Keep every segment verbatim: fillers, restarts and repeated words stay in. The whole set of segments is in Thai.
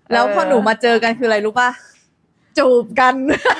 แล้วพอหนูมาเจอกันคืออะไรรู้ป่ะจูบกัน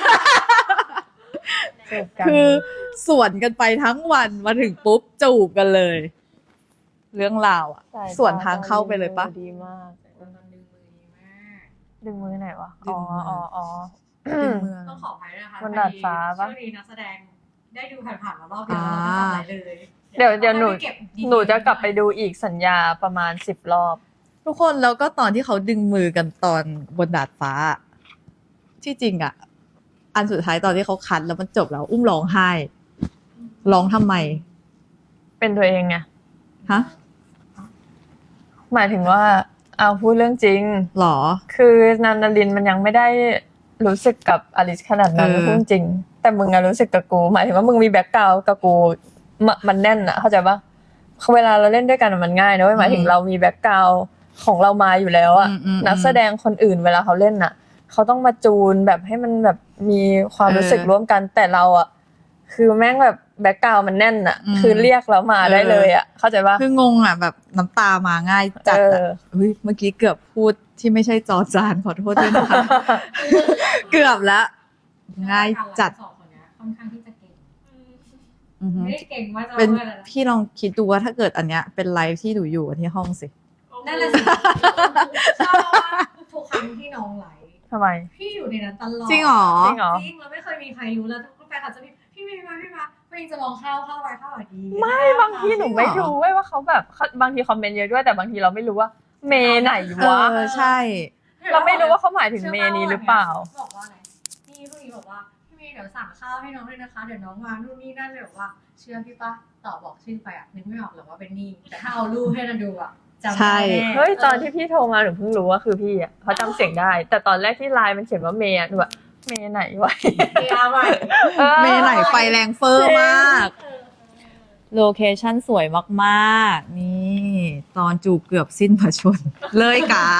คือสวนกันไปทั้งวันมาถึงปุ๊บจูบกันเลย เรื่องราวอ่ะสวนทางเข้าไปเลยปะดีมากตอนดึงมือดีมากดึงมือไหนวะดึอ๋องมืออ๋อ๋ออ๋อดึงมือต้องขออภัยด้วยนะคะบนดาดฟ้าปะช่วงนี้นักแสดงได้ดูผ่านๆมารอบเดียวแล้วเราก็จำอะไรเลยเดี๋ยวเดี๋ยวหนูราก็บดีๆหนูจะกลับไปดูอีกสัญญาประมาณสิบรอบทุกคนแล้วก็ตอนที่เขาดึงมือกันตอนบนดาดฟ้า ที่จริงอ่ะ อันสุดท้ายตอนที่เขาคัดแล้วมันจบแล้ว อุ้มร้องไห้ร้องทำไมเป็นตัวเองไงฮะหมายถึงว่าเอาพูดเรื่องจริงหรอคือนันนลินมันยังไม่ได้รู้สึกกับอลิสขนาดนั้นเออพูดจริง แต่มึงอะรู้สึกกับกูหมายถึงว่ามึงมีแบ็คกราวด์กับกูมะมันแน่นอะเข้าใจปะเวลาเราเล่นด้วยกันอะมันง่ายนะเว้ยหมายถึงเรามีแบ็คกราวด์ของเรามาอยู่แล้วอะอืมอืมนักแสดงคนอื่นเวลาเขาเล่นอะเขาต้องมาจูนแบบให้มันแบบมีความรู้สึกเออร่วมกันแต่เราอะคือแม่งแบบแบ็คกราวด์มันแน่นอะอืมคือเรียกแล้วมาได้เลยอะเข้าใจปะคืองงอ่ะแบบน้ำตามาง่ายจัดเออ่ะอเฮ้ยเมื่อกี้เกือบพูดที่ไม่ใช่จอจานขอโทษด้วยนะคะ เกือบแล้ว ง่ายจัดสองคนเนี้ยค่อนข้างที่จะเก่งอือฮึไม่ได้เก่งว่าจะเป็นว่าอะไรนะพี่ลองคิดดูว่าถ้าเกิดอันเนี้ยเป็นไลฟ์ที่หนูอยู่ที่ห้องสินั่นแหละสิชอบว่าทุกครั้งที่น้องไหลฟ์ทำไมพี่อยู่ในนั้นตลอดจริงเหรอจริงเหรอจริงแล้วไม่เคยมีใครรู้แล้วทุกแฟนคลับจะมีพี่มีมาพี่มาพี่จะลองเข้าเข้าไปเข้าไปดีไม่บางทีหนูไม่รู้เว้ยว่าเขาแบบเขาบางทีคอมเมนต์เยอะด้วยแต่บางทีเราไม่รู้ว่าเมย์ไหนเอวะอใช่เราไม่รู้ว่าเขาหมายถึงเมย์นี้หรือเปล่าบอกว่าอะไรพี่พวกนี้บอกว่าพี่เมย์เดี๋ยวสั่งข้าวให้น้องด้วยนะคะเดี๋ยวน้องมานู่นนี่นั่นเลยบอกว่าเชื่อพี่ป้าต่อบอกชื่อไปอ่ะนึกไม่ออกหรอกว่าเป็นนี่แต่ถ้าเอารูปให้นันดูอ่ะจำใช่ได้แน่เฮ้ยตอนที่พี่โทรมาหนูเพิ่งรู้ว่าคือพี่อ่ะเขาจำเสียงได้ แต่ตอนแรกที่ไลน์มันเขียนว่าเมย์อะหนูแบบเมย์ไหนวะเมียใหม่ออเมย์ไหนไฟแรงเฟอร์มาก โลเคชั่นสวยมากๆ นี่ ตอนจูบเกือบสิ้นพระชน เลยกา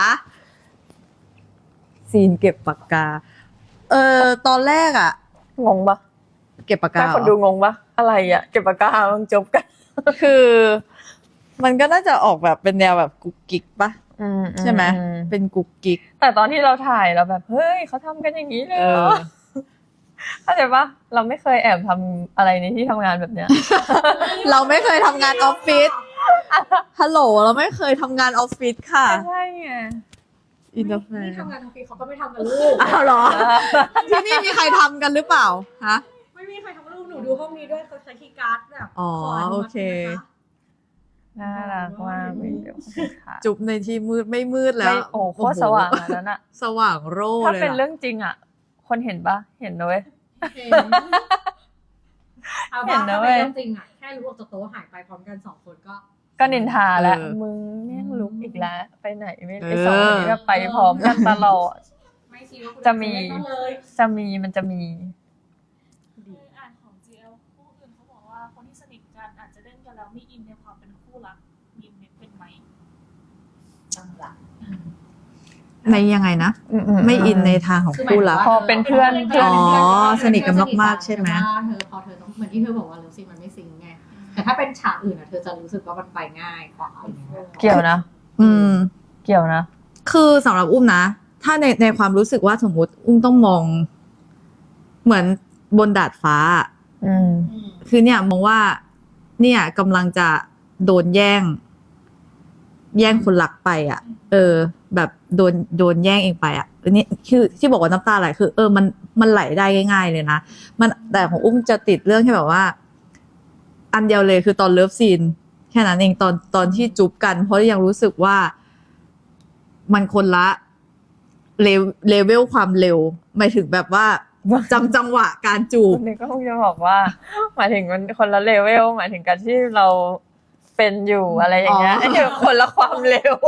ซีนเก็บปากกา เออตอนแรกอะงงปะเก็บปากกาถ้าคนดูงงปะอะไรอ่ะเก็บปากกามึงจบกันคือ มันก็น่าจะออกแบบเป็นแนวแบบกุ๊กกิ๊กปะอืมใช่ไหมอืเป็นกุ๊กกิ๊กแต่ตอนที่เราถ่ายเราแบบเฮ้ยเขาทำกันอย่างนี้เลยเอเหรออเข้าใจปะเราไม่เคยแอบทำอะไรในที่ทำงานแบบเนี้ยเราไม่เคยทำงานออฟฟิศ ฮัลโหล เราไม่เคยทำงานออฟฟิศค่ะใช่ไงอินเตอร์แฟนี่นทำงานทำฟรีเขาก็ไม่ทำกันลูกอ้าวเหรอ ที่นี่มีใครทำกันหรือเปล่า ฮะไม่มีใครทำลูกหนูดูห้องนี้ด้วยเขาใช้คีย์การ์ดแบบอ๋อขอนุมัติโอเคนะคะน่ารักมากเลยเดี๋ยวค่ะจุ๊บในที่มืดไม่มืดแล้วไม่โอ้โหโคตรสว่างอันนั้นอะสว่างโร่ถ้าเลยเป็นล่ะเรื่องจริงอะคนเห็นปะเห็นนะเว้ยเห็นเอาเห็บ้านนะถ้าเว้เป็นยเรื่องจริงอ่ะแค่รู้ออกจากโต๊ะหายไปพร้อมกันสองคนก็ก็นินทาแล้วเออมึงแม่งลุกอีกแล้วไปไหนไม่เออไอสองคนนี้แบบไปพร้อมกันตลอดไม่คิดว่าคุณจะมีเล่นต้องเลยจะมีมันจะมีคืออ่านของ จี แอล คู่อื่นเขาบอกว่าคนที่สนิทกันอาจจะเล่นกันแล้วไม่อินในความเป็นคู่รักมีเน็ตเป็นไหมจังหวะในยังไงนะ ไม่อินในทางของคู่รักพอเป็นเพื่อนเพื่อนอ๋อสนิทกันมากๆใช่ไหมเธอพอเธอต้องเหมือนที่เธอบอกว่าเลิฟซีนมันไม่ซิงค์ไงแต่ถ้าเป็นฉากอื่นอ่ะเธอจะรู้สึกว่ามันไปง่ายกว่าอย่างเงี้ยเกี่ยวนะอืมเกี่ยวนะคือสำหรับอุ้มนะ ถ้าในในความรู้สึกว่าสมมติอุ้มต้องมอง เหมือนบนดาดฟ้าอืมคือเนี่ยมองว่า เนี่ยกำลังจะโดนแย่ง แย่งคนรักไปอ่ะ เออ แบบโดนโดนแย่งเองไปอ่ะอันนี้คือที่บอกว่าน้ำตาไหลคือ เออมันมันไหลได้ง่ายๆเลยนะมันแต่ของอุ้มจะติดเรื่องแค่แบบว่า อันเดียวเลยคือตอนเลิฟซีนแค่นั้นเองตอนตอนที่จุ๊บกัน เพราะยังรู้สึกว่า มันคนละเลเวเลเวลความเร็วหมายถึงแบบว่าจังจังหวะการจูบนี่ก็คงจะบอกว่า หมายถึงมันคนละเลเวลหมายถึงการที่เราเป็นอยู่อะไรอย่างเงี้ยอ๋อไอ้เดี๋ยวคนละความเร็ว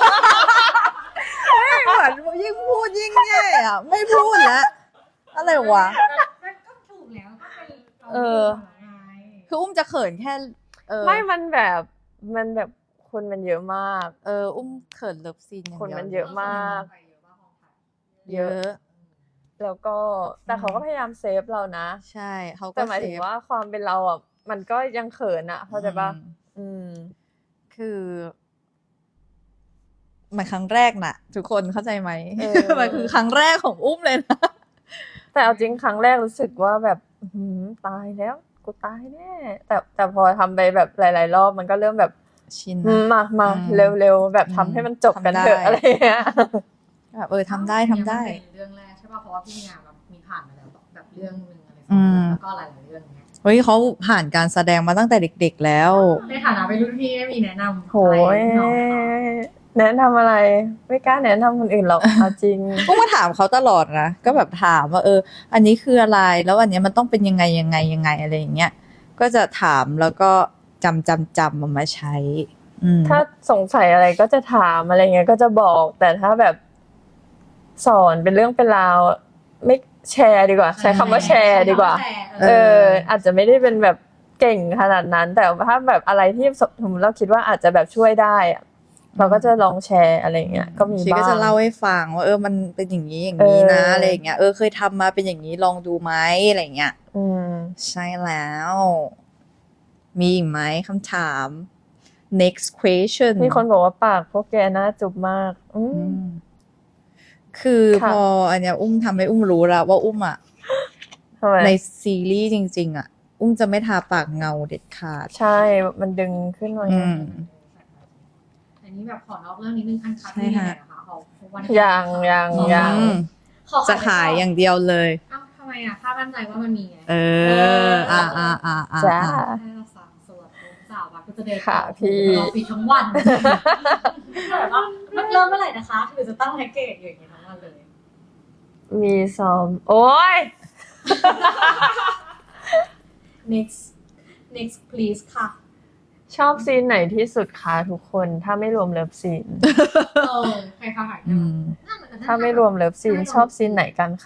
เหมือนยิ่งพูดยิ่งแย่อะไม่พูดแล้ว อะไรวะก็ถูกแล้วก็เป็นเออไงคืออุ้มจะเขินแค่ เออไม่มันแบบมันแบบคนมันเยอะมากเออ อุ้มเขินเลิฟซีนอย่างคนเดียวมันเยอะมากเยอะแล้วก็แต่เขาก็พยายามเซฟเรานะใช่เขาก็แต่หมายถึงเซฟว่าความเป็นเราอ่ะมันก็ยังเขินอ่ะเข้าใจปะอืมอืมคือมันครั้งแรกน่ะ ทุกคนเข้าใจไหมเออมันคือครั้งแรกของอุ้มเลยนะแต่เอาจริงครั้งแรกรู้สึกว่าแบบอื้อหือตายแล้วกูตายแน่แต่แต่พอทำไปแบบหลาย ๆ รอบมันก็เริ่มแบบชินอืนะมมามาอืมเร็วๆแบบทำให้มันจบกันทำได้เถอะอะไรอย่างเงี้ยแบบเออทำได้ทำได้มันเป็นเรื่องแรกใช่ป่ะเพราะว่าพี่งานแบบมีผ่านมาแล้วแบบเรื่องหนึงอะไรอืสักมแล้วก็หลายๆเรื่องเนี้ยเฮ้ยเขาผ่านการแสดงมาตั้งแต่เด็ก ๆ แล้วในฐานะเป็นรุ่นพี่ได้มีแนะนำโหอะไรยให้น้องไหมคะแนะนำอะไร ไม่กล้าแนะนำคนอื่นหรอก เอาจริงอุ้มก็ถามเขาตลอดนะก็แบบถามว่าเออ อันนี้คืออะไรแล้วอันเนี้ยมันต้องเป็นยังไงยังไงยังไงอะไรอย่างเงี้ยก็จะถามแล้วก็จำจำจำมันมาใช้ อืมถ้าสงสัยอะไรก็จะถามอะไรเงี้ยก็จะบอก แต่ถ้าแบบสอนเป็นเรื่องเป็นราวไม่แชร์ดีกว่า ใช้คำว่าแชร์ดีกว่าแชร์เออ อาจจะไม่ได้เป็นแบบเก่งขนาดนั้น แต่ถ้าแบบอะไรที่สมมติเราคิดว่าอาจจะแบบช่วยได้อะเราก็จะลองแชร์อะไรเงี้ยก็มีชีบ้างก็จะเล่าให้ฟังว่าเออมันเป็นอย่างนี้อย่างนี้นะเออออะไรอย่างเงี้ยเออเคยทำมาเป็นอย่างนี้ลองดูไหมอะไรอย่างเงี้ยอืมใช่แล้ว มีอีกไหมคำถาม next question มีคนบอกว่าปากพวกแกน่าจุบมาก อือืมมคือค่ะพออันเนี้ยอุ้มทำให้อุ้มรู้แล้วว่าอุ้มอ่ะทำไมในซีรีส์จริง ๆ อ่ะ อุ้มจะไม่ทาปากเงาเด็ดขาดใช่ มันดึงขึ้นมาอืมอันนี้แบบขอนอกเรื่องนิดนึงอันคัดใช่นี่ไงค่ะนะคะเขาวันยังยังอ๋อยังอืมขอจะขายอย่างเดียวเลยอ้าวทำไมอ่ะถ้ามั่นใจว่ามันมีไงเออ อ่าอ่าอ่าอ่าจ้าให้เราสั่งสวดโต๊ะสาววัดก็จะเดินค่ะพี่เราปิดทั้งวันแบบว่ามันเริ่มเมื่อไหร่นะคะหรือจะตั้งแพ็กเกจอยู่อย่างนี้ทั้งวันเลยมีซ้อม โอ้ย next next please ค่ะชอบซีนไหนที่สุดคะทุกคน ถ้าไม่รวมเลิฟซีนเออใครคะหายอืมถ้าไม่รวมเลิฟซีน ชอบซีนไหนกันคะ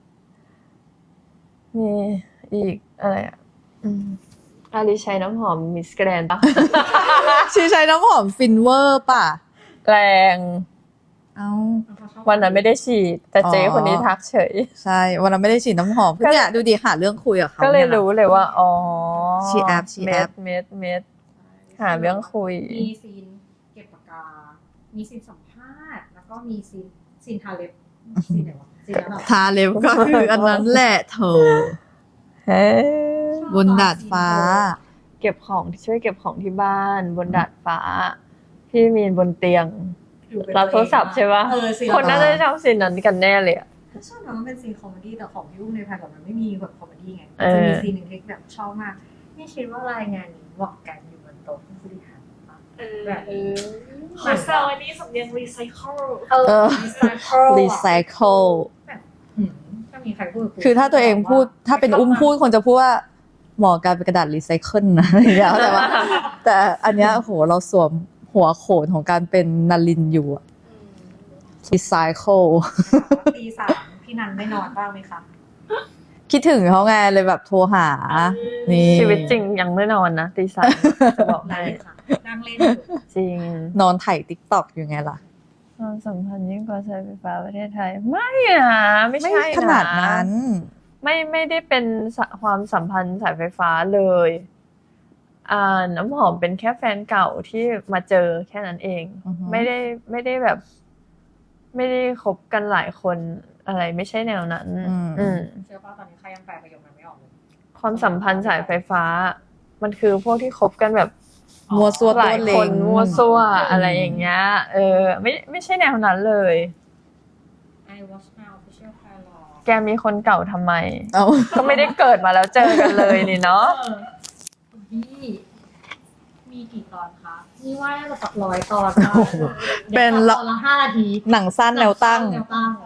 มีอีกอะไรอ่ะอืมอาริชัยน้ำหอมมิสแกรนปะชีใช้น้ำหอมฟินเวอร์ป่ะแรงเอ้าวันนั้นไม่ได้ฉีด แต่เจ๊อ๋อคนนี้ทักเฉยใช่ วันนั้นไม่ได้ฉีดน้ำหอมเพื่อเนี่ยดูดีหาเรื่องคุยกับเขาก็เลยนี่รู้เลยว่า อ๋อ She app She เม็ด app เม็ดเม็ด หาเรื่องคุยมีซีนเก็บปากกา มีซีนสัมภาษณ์แล้วก็มีซีนซีนทาเล็บซีนไหนวะซีนแล้วแบบทาเล็บก็คืออันนั้นแหละเธอเฮ้ยบนดาดฟ้าเก็บของช่วยเก็บของที่บ้าน บนดาดฟ้า พี่มีนบนเตียง รับโทรศัพท์ใช่ปะเออซีนคนน่าจะชอบซีนนั้นกันแน่เลยอะก็ชอบนะมันเป็นซีนคอมเมดี้แต่ของพี่อุ้มในภายแบบมันไม่มีแบบคอมเมดี้ไงเอจะอมีซีนหนึ่งที่แบบชอบมากนี่คิดว่ารายงานนี้เหมาะกันอยู่บนโต๊ะผู้บริหารปะเออแบบเออขอแซวอันนี้สำเนียงรีไซเคิลเอเอออรีไซเคิลรีไซเคิลแบบหืมถ้ามีใครพูดกับกูคือถ้าตัวเองพูด ถ้าเป็นอุ้มพูดคนจะพูดว่าเหมาะกันเป็นกระดาษรีไซเคิลนะอย่างเงี้ยแต่ว่า แต่อันเนี้ยโหเราสวมหัวโขนของการเป็นนารินอยู่อะรีไซเคิลตีสามพี่นันไม่นอนบ้างไหมคะคิดถึงเขาไงเลยแบบโทรหา นี่ชีวิตจริงยังไม่นอนนะตีสามจะบอกได้ให้ค่ะนั่งเล่นอยู่จริงนอนถ่ายติ๊กต็อกอยู่ไงล่ะความสัมพันธ์ยิ่งกว่าสายไฟฟ้าประเทศไทย ไม่นะไม่ไม่ใช่นะขนาดนั้นไม่ไม่ได้เป็นสะความสัมพันธ์สายไฟฟ้าเลย อ่าน้ำหอมเป็นแค่แฟนเก่าที่มาเจอแค่นั้นเองอือฮึไม่ได้ไม่ได้แบบ ไม่ได้คบกันหลายคนอะไรไม่ใช่แนวนั้น อืมเชื่อป่ะตอนนี้ใครยังแปลประโยคนั้นไม่ออกเลยความสัมพันธ์สายไฟฟ้า มันคือพวกที่คบกันแบบมัวซัวหตัวลายเล็คงนมั่วซั่วอะไรอย่างเงี้ย เออ ไม่ไม่ใช่แนวนั้นเลย I watch now official dialogue แกมีคนเก่าทำไมเอาก็ไม่ได้เกิดมาแล้วเจอกันเลยนี่เนาะเออพี่มีกี่ตอนคะนี่ว่าน่าจะสักร้อยตอนได้เป็นดี๋ยวละตอนละห้านาทีหนังสั้นแนวตั้งแนวตั้ง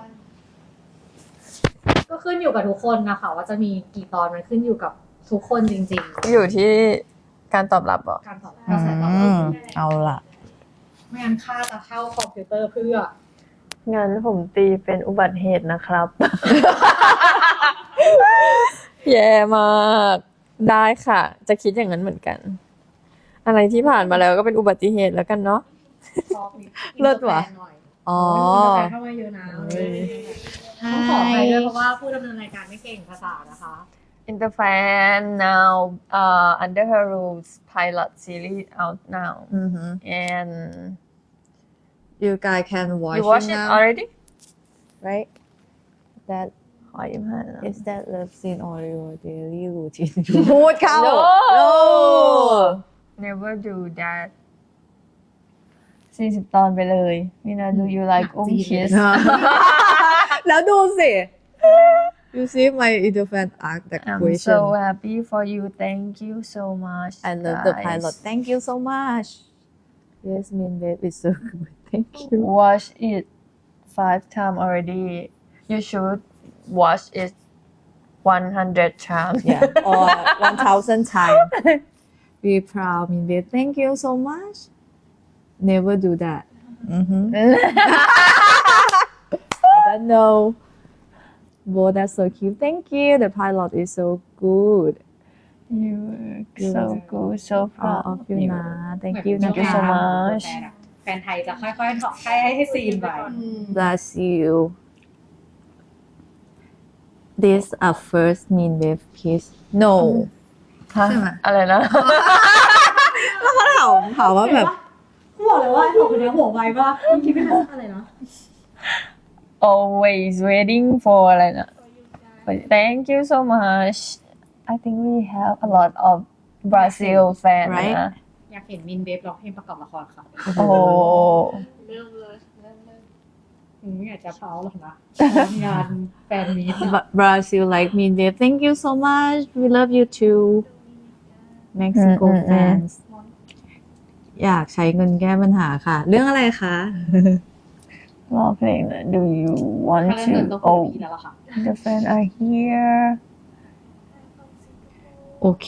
ก็ขึ้นอยู่กับทุกคนนะคะว่าจะมีกี่ตอนมันขึ้นอยู่กับทุกคนจริงอยู่ที่การตอบรับเหรอๆ การตอบอืกระแสตอบรับมเอาล่ะไม่งั้นค่าจะเข้าคอมพิวเตอร์เพื่องั้นผมตีเป็นอุบัติเหตุนะครับ แย่มาก ได้ค่ะ จะคิดอย่างนั้นเหมือนกัน อะไรที่ผ่านมาแล้วก็เป็นอุบัติเหตุแล้วกันเนาะ เลิศว่ะอ๋อมีกาแฟเข้ามาเยอะนะต้องขอไปด้วยเพราะว่าผู้ดำเนินรายการไม่เก่งภาษานะคะ Interfan now uh, under her rules pilot series out now อือหือ and you guys can watch you watch it now already right that ขอยิ้มให้นะ is that love scene or your daily routine พูดเข้า no no never do that สี่สิบตอนไปเลยนี่นะ do you like อุ้ม kiss แล้วดูสิ you see my Indo fan arc that I'm question so happy for you thank you so much I love the guys. pilot thank you so much yes mean babe is so good thank you watch it five times already you should watch it one hundred times yeah or one thousand times be proud mean babe thank you so much never do that mm-hmm. I don't know Bo, that's so cute. Thank you. The pilot is so good. you are so good so All proud of you นะ Thank you. เหมือน Thank you so แฟน much. อะแฟนไทยจะค่อยๆถอดให้ให้ซีนไป Bless you. This a first mean wave kiss. No. ฮะใช่ไหมอะไรนะแล้วเขาถามถามว่าแบบกูบอกเลยว่าไอ้หัวคนเนี้ยหัวไวมากมึงคิดไม่ทันอะไรนะ always waiting for อะไรนะ thank you so much I think we have a lot of Brazil fan Right? นะอยากเห็นมินเบฟร้องเพลงประกอบละครค่ะโอ้เริ่มเลยเริ่มเลยมึงไม่อยากจะเผาหรอกนะงานแฟนมีต But Brazil like mean wave. Thank you so much. We love you too. Mexico อืมอืมอืม fans. อยากใช้เงินแก้ปัญหาค่ะ เรื่องอะไรคะรอเพลงนะ do you want ถ้าเล่น to เงินต้องคุย oh พี่แล้วล่ะค่ะ the fan are here โอเค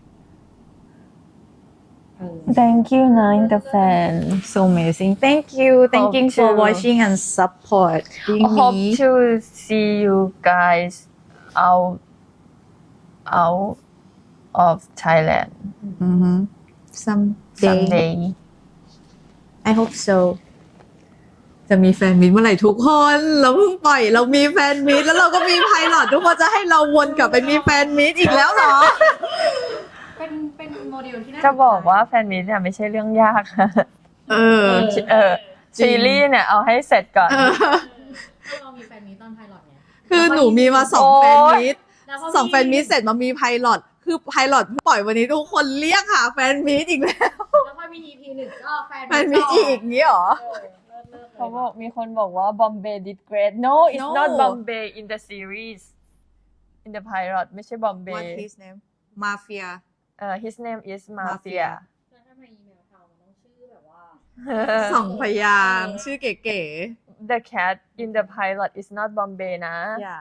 เออ thank you nine the fan So amazing. Thank you. Thank you Hope for to- watching and supporting hope me. to see you guys out out of Thailand Mm-hmm. Someday. someday I hope so. จะมีแฟนมิตเมื่อไหร่ทุกคน เราเพิ่งปล่อยเรามีแฟนมิตแล้วเราก็มีไพลอตทุกคนจะให้เราวนกลับไปมีแฟนมิตอีกแล้วเหรอเป็นเป็นโมเดลที่น่าจะบอกว่าแฟนมิตเนี่ยไม่ใช่เรื่องยากนะเออเออจริงซีรีส์เนี่ยเอาให้เสร็จก่อนเออถ้าเรามีแฟนมีตตอนไพลอตเนี่ยคือหนูมีมาสองโอ๊แฟยนมิตแล้วก็สองแฟนมิตเสร็จมามีไพลอตคือไพลอตปล่อยวันนี้ทุกคนเรียกหาแฟนมิตอีกแล้วแล้วพอมี อี พี หนึ่งก็แฟนแฟนมิตอีกงี้เหรอเขาบอกมีคนบอกว่า Bombay did great no it's No. not Bombay in the series in the pilot ไม่ใช่ Bombay What his name Mafia เอ่อ his name is Mafia Mafia แล้วทำไมอีเมลเขามันต้องชื่อแบบว่าสองพยางค์ชื่อเก๋ the cat in the pilot is not Bombay นะๆอย่า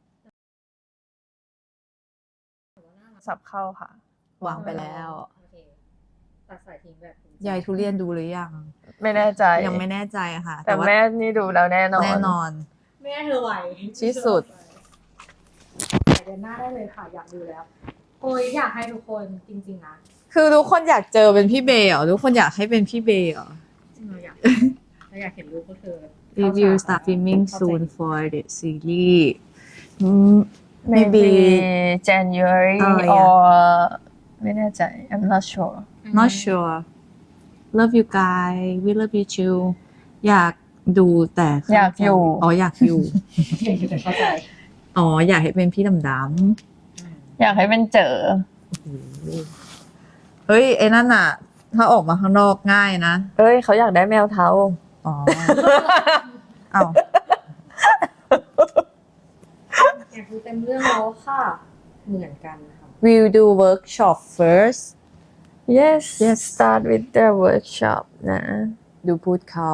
สับเข้าค่ะวางไปแล้วโอเคตัดสายทิ้งแบบนี้ยายทุเรียนดูหรือยังไม่แน่ใจยังไม่แน่ใจอะค่ะแต่ว่าแม่นี่ดูแล้วแน่นอนแน่นอนแม่เธอไหวที่สุดถ่ายเดือนหน้าได้เลยค่ะ อยากดูแล้ว โอ้ยอยากให้ทุกคนจริงๆนะคือทุกคนอยากเจอเป็นพี่เบย์เหรอทุกคนอยากให้เป็นพี่เบย์เหรอเราอยากเราอยากเห็นรูปพวกเธอ Review start filming soon for the series mm, maybe maybe January Oh, yeah. or ไม่แน่ใจ I'm not sure not sure love you guys we love you too อยากดูแต่อยากอยู่อ๋ออยากอยู่เก่งแต่เข้าใจอ๋ออยากให้เป็นพี่ดำอยากให้เป็นเจอๆเฮ้ยไอ้นั่นน่ะ ถ้าออกมาข้างนอกง่ายนะเฮ้ยเขาอยากได้แมวเทาอ๋อ อ้าวอยากดูเต็มเรื่องแล้วค่ะ เหมือนกันค่ะ we'll do workshop first yes Yes. start with the workshop นะดูพูดเข้า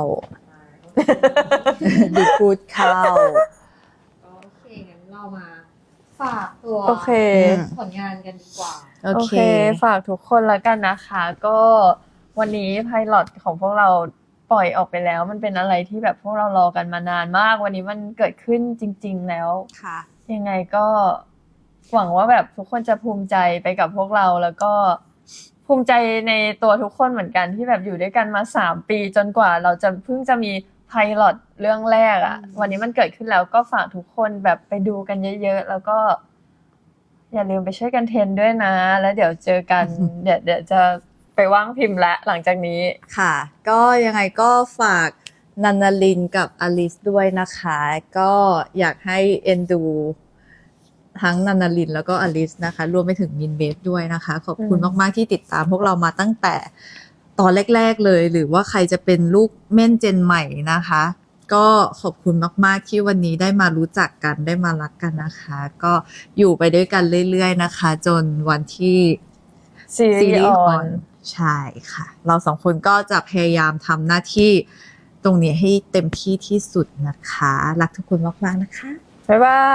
ดูพูดเข้าก็โอเคงั้นเรามาฝากตัวโอเคผลงานกันดีกว่าโอโอเคเค ฝากทุกคนแล้วกันนะคะ ก็วันนี้ไพลอตของพวกเราปล่อยออกไปแล้ว มันเป็นอะไรที่แบบพวกเรารอกันมานานมาก วันนี้มันเกิดขึ้นจริง ๆ แล้วค่ะยังไงก็หวังว่าแบบทุกคนจะภูมิใจไปกับพวกเราแล้วก็ภูมิใจในตัวทุกคนเหมือนกันที่แบบอยู่ด้วยกันมาสามปีจนกว่าเราจะเพิ่งจะมีไพลอตเรื่องแรกอะอืมวันนี้มันเกิดขึ้นแล้วก็ฝากทุกคนแบบไปดูกันเยอะๆแล้วก็อย่าลืมไปช่วยกันเทรนด้วยนะ แล้วเดี๋ยวเจอกัน เดี๋ยวเดี๋ยวจะไปว่างพิมพ์และหลังจากนี้ค่ะ ก็ยังไงก็ฝากนันนาลินกับอลิสด้วยนะคะ ก็อยากให้เอ็นดูทั้งนันนาลินแล้วก็อลิสนะคะ รวมไปถึงมินเบสด้วยนะคะ ขอบคุณอืมมากๆที่ติดตามพวกเรามาตั้งแต่ตอนแรก ๆเลย หรือว่าใครจะเป็นลูกเม่นเจนใหม่นะคะ ก็ขอบคุณมากๆที่วันนี้ได้มารู้จักกันได้มารักกันนะคะ ก็อยู่ไปด้วยกันเรื่อยๆนะคะ จนวันที่ซีรีส์ออนใช่ค่ะ เราสองคนก็จะพยายามทำหน้าที่ตรงนี้ให้เต็มที่ที่สุดนะคะ รักทุกคนมากๆนะคะบ๊ายบาย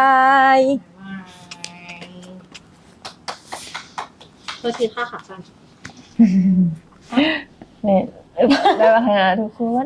ตัวทีค่าขาสั้นเนี่ยบ๊ายบายนะทุกคน